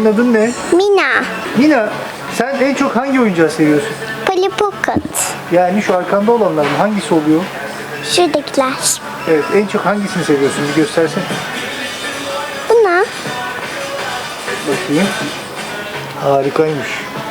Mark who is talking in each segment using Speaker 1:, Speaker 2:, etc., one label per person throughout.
Speaker 1: Senin adın ne?
Speaker 2: Mina.
Speaker 1: Mina, sen en çok hangi oyuncağı seviyorsun?
Speaker 2: Polly Pocket.
Speaker 1: Yani şu arkanda olanlar mı? Hangisi oluyor?
Speaker 2: Şuradakiler.
Speaker 1: Evet, en çok hangisini seviyorsun? Bir göstersene.
Speaker 2: Buna.
Speaker 1: Bakayım. Harikaymış.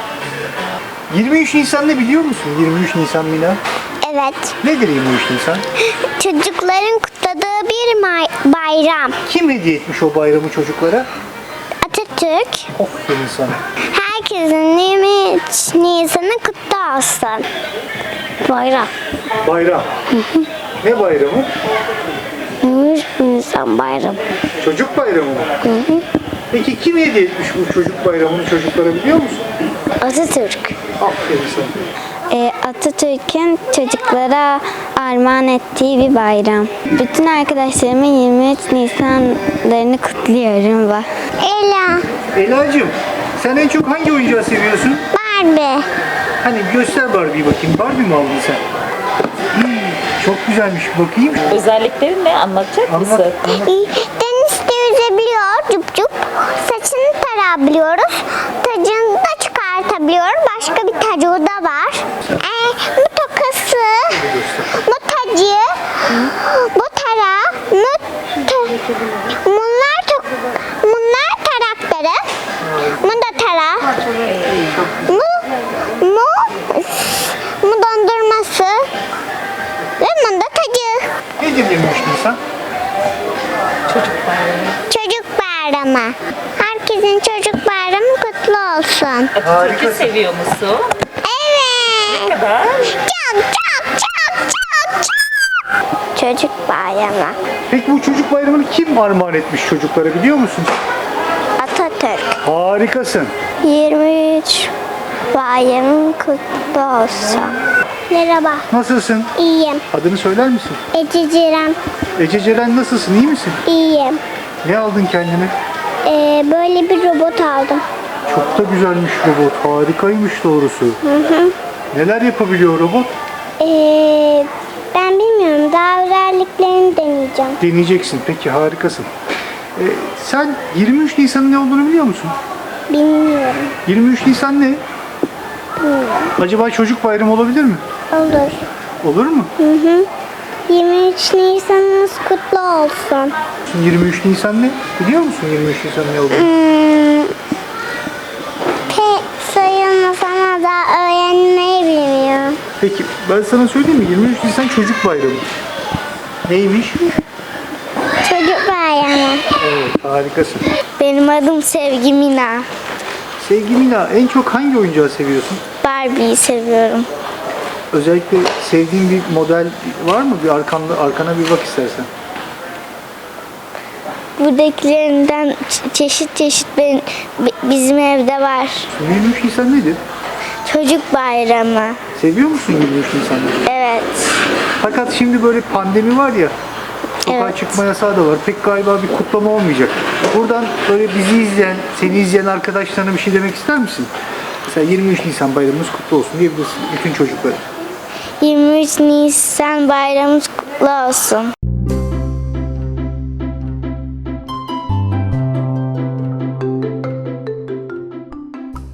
Speaker 1: 23 Nisan ne biliyor musun? 23 Nisan Mina.
Speaker 2: Evet.
Speaker 1: Nedir 23 Nisan?
Speaker 2: Çocukların kutladığı bir bayram.
Speaker 1: Kim hediye etmiş o bayramı çocuklara?
Speaker 2: Atatürk.
Speaker 1: Aferin sana.
Speaker 2: Herkesin 23 Nisan'ı kutlu olsun. Bayram.
Speaker 1: Bayram. Ne bayramı?
Speaker 2: 23 Nisan bayramı.
Speaker 1: Çocuk bayramı mı? Peki kim hediye etmiş bu çocuk bayramını çocuklara biliyor musun?
Speaker 2: Atatürk.
Speaker 1: Aferin sana.
Speaker 3: Atatürk'ün çocuklara armağan ettiği bir bayram. Bütün arkadaşlarımın 23 Nisanlarını kutluyorum.
Speaker 2: Ela.
Speaker 1: Ela'cığım, sen en çok hangi oyuncağı seviyorsun?
Speaker 2: Barbie.
Speaker 1: Hani göster Barbie'yi bakayım. Barbie mi aldın sen? Çok güzelmiş. Bakayım.
Speaker 4: Özellikleri ne? Anlatacak
Speaker 1: Anlat.
Speaker 4: mısın?
Speaker 2: Denizde yüzebiliyor cüp cüp. Saçını tarabiliyoruz. Tacını da çıkartabiliyor. Başka bir tacı da var. Bu tokası, bu tacı, bu tara, bunlar tarakları, bu da tara, bu dondurması ve bu da tacı.
Speaker 1: Nedir 23 Nisan?
Speaker 2: Çocuk bayramı. Herkesin çocuk bayramı kutlu olsun.
Speaker 4: Atatürk'ü
Speaker 1: Harikasın.
Speaker 4: seviyor musun?
Speaker 2: Evet.
Speaker 4: Ne kadar?
Speaker 2: Çok. Çocuk bayramı.
Speaker 1: Peki bu çocuk bayramını kim armağan etmiş çocuklara biliyor musun?
Speaker 2: Atatürk.
Speaker 1: Harikasın.
Speaker 2: 23 bayramın kutlu olsun. Merhaba.
Speaker 1: Nasılsın?
Speaker 2: İyiyim.
Speaker 1: Adını söyler misin?
Speaker 2: Ece Ceren.
Speaker 1: Ece Ceren nasılsın? İyi misin?
Speaker 2: İyiyim.
Speaker 1: Ne aldın kendine?
Speaker 2: Böyle bir robot aldım.
Speaker 1: Çok da güzelmiş robot. Harikaymış doğrusu. Neler yapabiliyor robot?
Speaker 2: Ben bilmiyorum. Daha özelliklerini deneyeceğim.
Speaker 1: Deneyeceksin. Peki harikasın. Sen 23 Nisan'ın ne olduğunu biliyor musun?
Speaker 2: Bilmiyorum.
Speaker 1: 23 Nisan ne? Acaba çocuk bayramı olabilir mi?
Speaker 2: Olur.
Speaker 1: Olur mu?
Speaker 2: 23 Nisan'ınız kutlu olsun.
Speaker 1: 23 Nisan ne? Biliyor musun 23 Nisan ne olduğunu?
Speaker 2: Pek sayılmaz ama da öğrenmeyi bilmiyorum.
Speaker 1: Peki ben sana söyleyeyim mi? 23 Nisan çocuk bayramı. Neymiş?
Speaker 2: Çocuk bayramı.
Speaker 1: Evet harikasın.
Speaker 3: Benim adım Sevgi Mina.
Speaker 1: Sevgi Mina en çok hangi oyuncağı seviyorsun?
Speaker 3: Barbie'yi seviyorum.
Speaker 1: Özellikle sevdiğin bir model var mı? Bir arkana bir bak istersen.
Speaker 3: Buradakilerinden çeşit çeşit bizim evde var.
Speaker 1: 23 Nisan nedir?
Speaker 3: Çocuk bayramı.
Speaker 1: Seviyor musun 23 Nisan'ı?
Speaker 3: Evet.
Speaker 1: Fakat şimdi böyle pandemi var ya, sokağa
Speaker 3: Evet.
Speaker 1: çıkma yasağı da var. Pek galiba bir kutlama olmayacak. Buradan böyle bizi izleyen, seni izleyen arkadaşlarına bir şey demek ister misin? Mesela 23 Nisan bayramımız kutlu olsun diyebilirsin bütün çocuklara.
Speaker 3: 23 Nisan bayramımız kutlu olsun.